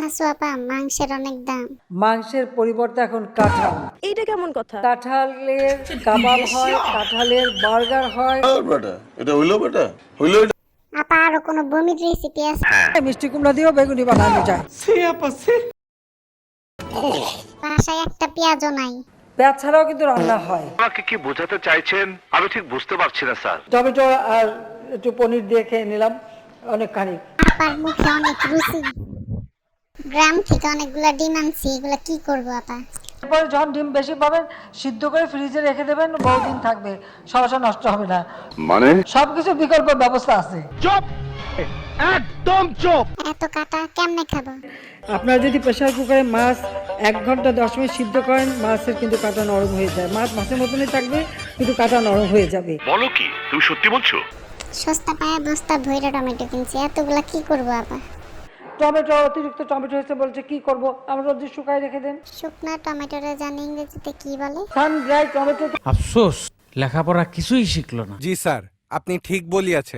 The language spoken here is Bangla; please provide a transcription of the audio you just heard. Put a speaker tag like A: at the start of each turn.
A: আছো আপা, মাংসের অনেক দাম।
B: মাংসের পরিবর্তে এখন কাঁঠাল।
C: এইটা কেমন কথা?
B: কাঁঠালের কাবাব হয়, কাঁঠালের বার্গার হয়।
D: এটা হইলো বেটা হইলো।
A: আপা আরো কোনো বমির রেসিপি আছে?
B: মিষ্টি কুমড়া দিয়েও বেগুনি বানানো যায়।
A: বাসায় একটা পেঁয়াজও নাই।
B: পেঁয়াজ ছাড়াও কিন্তু রান্না হয়।
E: আমাকে কি বোঝাতে চাইছেন আমি ঠিক বুঝতে পারছি না স্যার।
B: টমেটো আর একটু পনির দিয়ে খেয়ে নিলাম অনেকখানি।
A: আপার মুখে অনেক রুচি। গ্রাম থেকে অনেকগুলা ডিম আনছি, এগুলা কি করবো আপা?
B: এরপরে যখন ডিম বেশি পাবেন সিদ্ধ করে ফ্রিজে রেখে দেবেন, বহুদিন থাকবে, সহসা নষ্ট হবে না।
E: মানে
B: সবকিছু বিকল্প ব্যবস্থা আছে।
A: এত কাটা কেমনে খাবো?
B: আপনারা যদি প্রেসার কুকারে মাছ 1 ঘন্টা 10 মিনিট সিদ্ধ করেন, মাছের কিন্তু কাঁটা নরম হয়ে যায়। মাছ মাছের মতনই থাকবে, কিন্তু কাঁটা নরম হয়ে যাবে।
E: বলো কি তুমি সত্যি বলছো?
A: সস্তা পায়া বস্তা ভইরা টমেটো কিনছি, এতগুলা কি করবো আপা?
B: টমেটো অতিরিক্ত টমেটো হয়েছে বলছে, কি করব? আমরা রোদে শুকায় রেখে দেন।
A: শুকনা টমেটোরে জানি ইংরেজিতে কি বলে?
B: Sun dry tomato.
F: আফসোস লেখাপড়া কিছুই শিখলো না।
G: জি স্যার, আপনি ঠিক বলিয়াছেন।